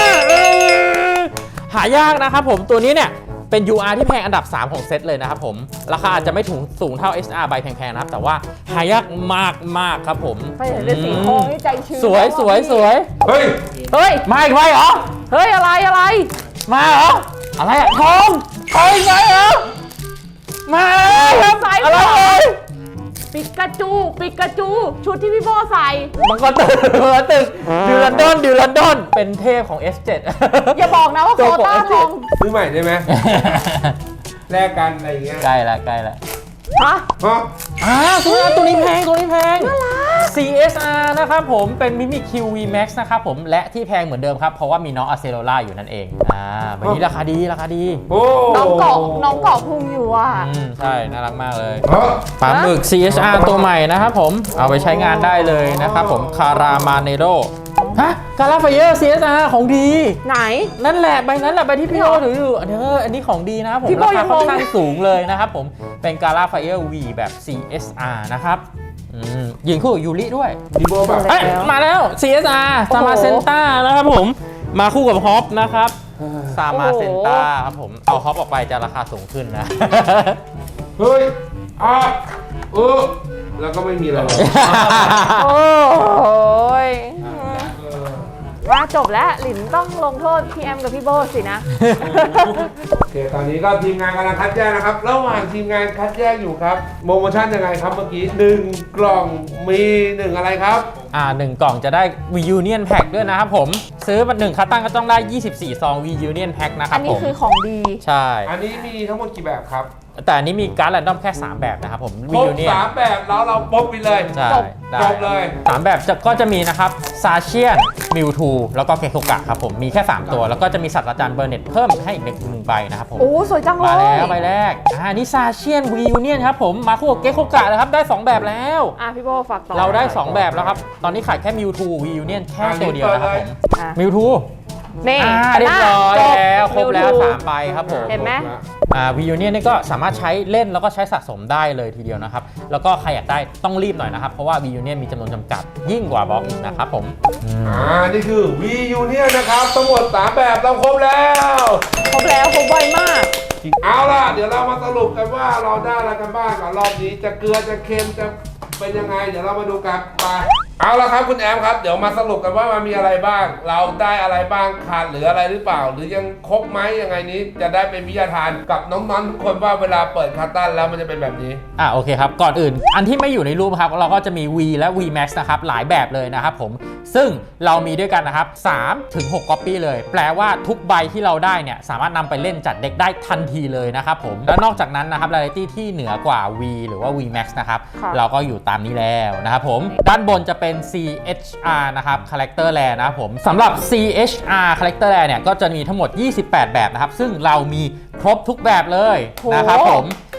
C: หายากนะครับผมตัวนี้เนี่ยเป็น ยู อาร์ ที่แพงอันดับ สาม ของเซตเลยนะครับผมราคาอาจจะไม่ถึงสูงเท่า เอส อาร์ ใบแพงๆนะครับแต่ว่าหายากมากมากๆครับผม
A: ไปเห็นเป็นสีทองนี่ใจชื้น
C: สวยสวยสวย
B: เฮ้ย
A: เฮ้ย
C: มาอีกไหมเหรอ
A: เฮ้ย อะไรอะไร
C: มาเหรออะไรอะทองทองอีกไหมเหรอมาครับ
A: ใส่
C: อะไร
A: ก่อน
C: เอ่ย
A: ปิกาจู ปิกาจู ชุดที่พี่โบใส่
C: มังกรตึกมังกรตึกดิวลันดอนดิวลันดอนเป็นเทพของ เอส เซเว่น
A: อย่าบอกนะว่าโค
C: ตัวของ
A: ต้า
C: เอส
A: ท
C: เจ็
A: อ
C: ด
A: ง
B: ซื้อใหม่ได้ไหมแลกกันอะไรอย่างเงี้ย
C: ใกล้ละใกล้ละ
A: ฮะ
B: ฮะ
C: อ่าตัวนี้ตัวนี้แพงตัวนี้แพง ซี เอส อาร์ นะครับผมเป็นมิมิ คิว วี Max นะครับผมและที่แพงเหมือนเดิมครับ เพราะว่ามีน้องอะเซโรล่าอยู่นั่นเองอ่าวันนี้ราคาดีราคาดี
B: โอ้
A: น้องเกาะน้องเกาะพุงอยู่อ่ะ
C: อืมใช่ น่ารักมากเลย
B: ฮะ
C: ปลาหมึก ซี เอช อาร์ ตัวใหม่นะครับผมเอาไปใช้งานได้เลยนะครับผมคารามาเนโรฮะคาราไฟเออร์ ซี เอส อาร์ ของดี
A: ไหน
C: นั่นแหละใบนั้นแหละใบที่พี่โอถืออยู่อันนี้อันนี้ของดีนะครับผม
A: พี่โบ้
C: ราคาค่อนข้าง
A: ยังงง
C: สูงเลยนะครับผมเป็นกา l าไฟเออร์ V แบบ ซี เอส อาร์ นะครับอืมยิงคู่กับยูริด้วย
B: ดีโบแบบ
C: เอ้ยมาแล้ว ซี เอส อาร์
A: โอ้
C: ซา
A: โห
C: มาเซนต้านะครับผมมาคู่กับฮอปนะครับซามาเซนต้าครับผมเอาฮอปออกไปจะราคาสูงขึ้นนะ
B: เฮ้ยอ่ะเออแล้วก็ไม่มีอะไรเลย
A: โอ้ย
B: เออ
A: ว่าจบแล้ว หลินต้องลงโทษพี่แอมกับพี่โบสินะ
B: โอเค ตอนนี้ก็ทีมงานกำลังคัดแยกนะครับ ระหว่างทีมงานคัดแยกอยู่ครับ โปรโมชั่นยังไงครับเมื่อกี้หนึ่งกล่องมีหนึ่งอะไรครับ
C: อ่าหนึ่งกล่องจะได้ V Union Pack ด้วยนะครับผม ซื้อมาหนึ่งคัตตันก็ต้องได้ ยี่สิบสี่ ซอง V Union Pack นะค
A: อั
C: รับ
A: น
C: ผ
A: นี้
C: ม
A: คือของดี
C: ใช่
B: อันนี้มีทั้งหมดกี่แบบครับ
C: แต่อันนี้มีการ์ดแรนดอมแค่ สาม แบบนะครับผม
B: ค
C: V
B: รบ
C: Union
B: สามแบบแล้วเราป๊บไปเลย
C: ใช่
A: จบ
C: ได้
B: จบเลย
C: สามแบบจะก็จะมีนะครับซาเชียนมิวทูแล้วก็เคโ o กะครับผม มีแค่ สาม ตัว แล้วก็จะมีศาสตราจารย์เบอร์เน็ตเพิ่มให้อีกหนึ่งหนึ่งใบนะครับผม
A: โอ้สวยจังเล
C: มาย แล้วใบแรกอ่านี่ซาเชียน V Union ครับผม มาคู่กับเกโ o กะนะครับได้ สอง แบบแล้ว
A: อ่ะพี่โบฝากต่อ
C: เราได้ สอง แบบแล้วครับ ตอนนี้ขายแค่มิวทู V Union แค่ตัวเดียวนะครับผม
A: อ่ะ
C: มิวทู
A: นี่
C: อ่าเรียบร้อย
A: จบ
C: แล้วครบแล้ว
A: มิวทู
C: สามใบครับผม
A: เห็นไหม
C: อ่า V Union นี่ก็สามารถใช้เล่นแล้วก็ใช้สะสมได้เลยทีเดียวนะครับ แล้วก็ใครอยากได้ต้องรีบหน่อยนะครับ เพราะว่า V Union มีจำนวนจำกัดยิ่งกว่าบล็อกอีกนะครับผมอืม
B: อ่า นี่คือ V Union นะครับ ทั้งหมดสามแบบเราครบแล้ว
A: ครบแล้วครบไวมาก
B: เอาล่ะ เดี๋ยวเรามาสรุปกันว่าเราได้อะไรกันบ้างก่อนรอบนี้ จะเกลือจะเค็มจะเป็นยังไง เดี๋ยวเรามาดูกันไปเอาละครับคุณแอมครับ เดี๋ยวมาสรุปกันว่ามันมีอะไรบ้าง เราได้อะไรบ้างขาดเหลืออะไรหรือเปล่า หรือยังครบไหมยังไงนี้ จะได้เป็นวิทยาทานกับน้องๆทุกคนว่าเวลาเปิดคาตันแล้วมันจะเป็นแบบนี้
C: อ่าโอเคครับ ก่อนอื่น อันที่ไม่อยู่ในรูปครับ เราก็จะมี V และ V Max นะครับ หลายแบบเลยนะครับผม ซึ่งเรามีด้วยกันนะครับ สามถึงหก copy เลย แปลว่าทุกใบที่เราได้เนี่ย สามารถนำไปเล่นจัดเด็กได้ทันทีเลยนะครับผม และนอกจากนั้นนะครับ rarity ที่เหนือกว่า V หรือว่า V Max นะครับ
A: ค่ะ
C: เราก็อยู่ตามนี้แล้วนะครับผม ด้านบนจะเป็น ซี เอช อาร์ นะครับ Character Rare นะครับผมสำหรับ ซี เอช อาร์ Character Rare เนี่ยก็จะมีทั้งหมด ยี่สิบแปด แบบนะครับ ซึ่งเรามีครบทุกแบบเลยนะครับผม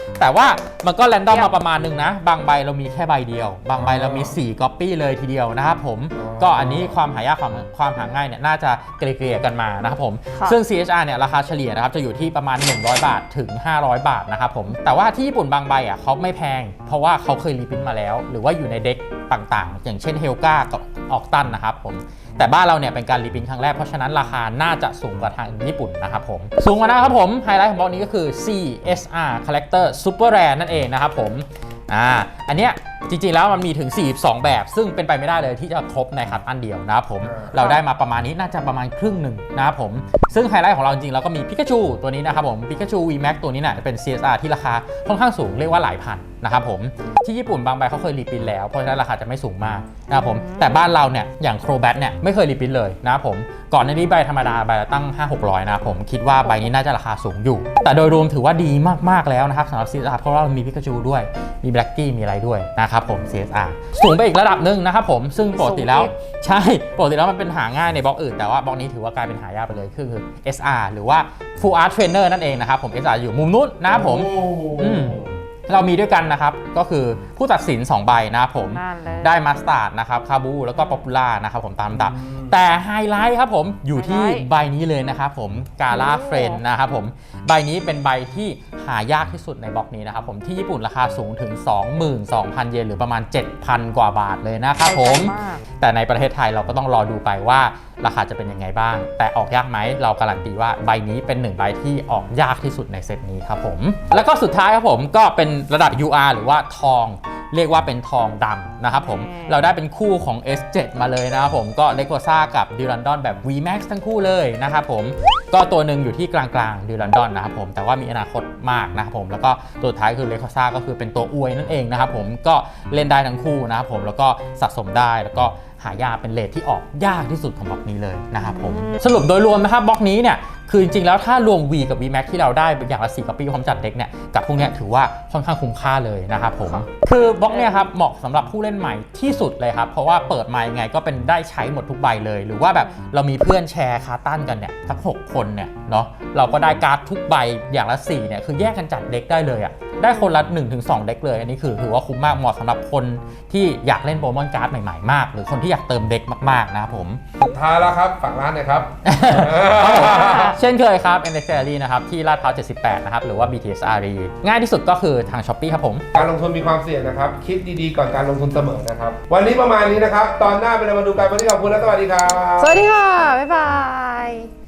C: แต่ว่ามันก็แรนดอมมาประมาณนึงนะบางใบเรามีแค่ใบเดียวบางใบเรามีสี่ก๊อปปี้เลยทีเดียวนะครับผมก็อันนี้ความหายากความความหาง่ายเนี่ยน่าจะเกลี่ยกันมานะครับผมซึ่ง ซี เอช อาร์ เนี่ยราคาเฉลี่ยนะครับจะอยู่ที่ประมาณหนึ่งร้อยบาทถึงห้าร้อยบาทนะครับผมแต่ว่าที่ญี่ปุ่นบางใบอ่ะเขาไม่แพงเพราะว่าเขาเคยรีพิมพ์มาแล้วหรือว่าอยู่ในเด็กต่างๆอย่างเช่นเฮลกากับออกตันนะครับผมแต่บ้านเราเนี่ยเป็นการรีพิมพ์ครั้งแรกเพราะฉะนั้นราคาน่าจะสูงกว่าทางญี่ปุ่นนะครับผมสูงกว่านะครับผมไฮไลท์ของบล็อกนี้ก็คือ ซี เอส อาร์ Collector Super Rare นั่นเองนะครับผมอ่าอันเนี้ยจริงๆแล้วมันมีถึงสี่สิบสองแบบซึ่งเป็นไปไม่ได้เลยที่จะครบในคัดอันเดียวนะครับผมเราได้มาประมาณนี้น่าจะประมาณครึ่งหนึ่งนะครับผมซึ่งไฮไลท์ของเราจริงๆเราก็มีปิกาจูตัวนี้นะครับผมปิกาจู วี แม็ก ตัวนี้เนี่ยเป็น ซี เอส อาร์ ที่ราคาค่อนข้างสูงเรียกว่าหลายพันนะครับผมที่ญี่ปุ่นบางใบเขาเคยรีพิมพ์แล้วเพราะฉะนั้นราคาจะไม่สูงมากนะครับผมแต่บ้านเราเนี่ยอย่างโครแบทเนี่ยไม่เคยรีพิมพ์เลยนะครับผมก่อนหน้านี้ใบธรรมดาใบละตั้ง ห้าหกร้อย นะครับผมคิดว่าใบนี้น่าจะราคาสูงอยู่แต่โดยรวมถือว่าดีมากๆแล้วนะครับสำหรับ ซี เอส อาร์ เพราะว่ามีปิกาจูด้วยมีแบล็กกี้มีอะไรด้วยนะครับผม ซี เอส อาร์ สูงไปอีกระดับหนึ่งนะครับผมซึ่งปกติแล้วใช่ปกติแล้วมันเป็นหาง่ายในบล็อกอื่นแต่ว่าบล็อกนี้ถือว่ากลายเป็นหายากไปเลยคือ เอส อาร์ หรือว่า Full Art Trainer นั่นเองนะครับผม เอส อาร์ อยู่มุมนู้นนะครับผมอืมเรามีด้วยกันนะครับก็คือผู้ตัดสินสองใบนะครับผมได้มาสตาร์ดนะครับคาบูแล้วก็ป๊อปปูล่านะครับผมตามลำดับแต่ไฮไลท์ครับผมอยู่ที่ใบนี้เลยนะครับผมกาล่าเฟรนนะครับผมใบนี้เป็นใบที่หายากที่สุดในบล็อกนี้นะครับผมที่ญี่ปุ่นราคาสูงถึง สองหมื่นสองพัน เยนหรือประมาณ เจ็ดพัน กว่าบาทเลยนะครับผมแต่ในประเทศไทยเราก็ต้องรอดูไปว่าราคาจะเป็นยังไงบ้างแต่ออกยากไหมเราการันตีว่าใบนี้เป็นหนึ่งใบที่ออกยากที่สุดในเซตนี้ครับผมแล้วก็สุดท้ายครับผมก็เป็นระดับ ยู อาร์ หรือว่าทองเรียกว่าเป็นทองดำนะครับผมเราได้เป็นคู่ของ เอส เซเว่น มาเลยนะครับผมก็เลโกซ่ากับดิรันดอนแบบ วี แม็กซ์ ทั้งคู่เลยนะครับผมก็ตัวหนึ่งอยู่ที่กลางๆดิรันดอนนะครับผมแต่ว่ามีอนาคตมากนะครับผมแล้วก็ตัวท้ายคือเลโกซ่าก็คือเป็นตัวอวยนั่นเองนะครับผมก็เล่นได้ทั้งคู่นะครับผมแล้วก็สะสมได้แล้วก็หายากเป็นเลทที่ออกยากที่สุดของบล็อกนี้เลยนะครับผมสรุปโดยรวมนะครับบล็อกนี้เนี่ยคือจริงๆแล้วถ้ารวม V กับ วี แม็ก ที่เราได้อย่างละสี่ก๊อปปี้พร้อมจัดเด็กเนี่ยกับพวกนี้ถือว่าค่อนข้างคุ้มค่าเลยนะครับผมคือบล็อกเนี่ยครับเหมาะสำหรับผู้เล่นใหม่ที่สุดเลยครับเพราะว่าเปิดมายังไงก็เป็นได้ใช้หมดทุกใบเลยหรือว่าแบบเรามีเพื่อนแชร์คาร์ตันกันเนี่ยทั้งหกคนเนี่ยเนาะเราก็ได้การ์ดทุกใบอย่างละสี่เนี่ยคือแยกกันจัดเด็กได้เลยอ่ะได้คนละ หนึ่งถึงสอง เด็กเลยอันนี้คือถือว่าคุ้มมากเหมาะสำหรับคนที่อยากเล่นโปเกมอนการ์ดใหม่ๆมากหรือคนที่อยากเติมเด็กมากๆนะครับผม
B: สุดท้ายแล้วครับฝากร้านหน่อยครับ
C: เช่นเคยครับ เอ็น เอ็กซ์ Gallery นะครับที่ลาดพร้าวเจ็ดสิบแปดนะครับหรือว่า บี ที เอส อาร์ อี ง่ายที่สุดก็คือทาง Shopee ครับผม
B: การลงทุนมีความเสี่ยงนะครับคิดดีๆก่อนการลงทุนเสมอนะครับวันนี้ประมาณนี้นะครับตอนหน้าเป็นมาดูกันวันนี้ขอบคุณและสวัสดีครับ
A: สวัสดีค่ะบ๊ายบาย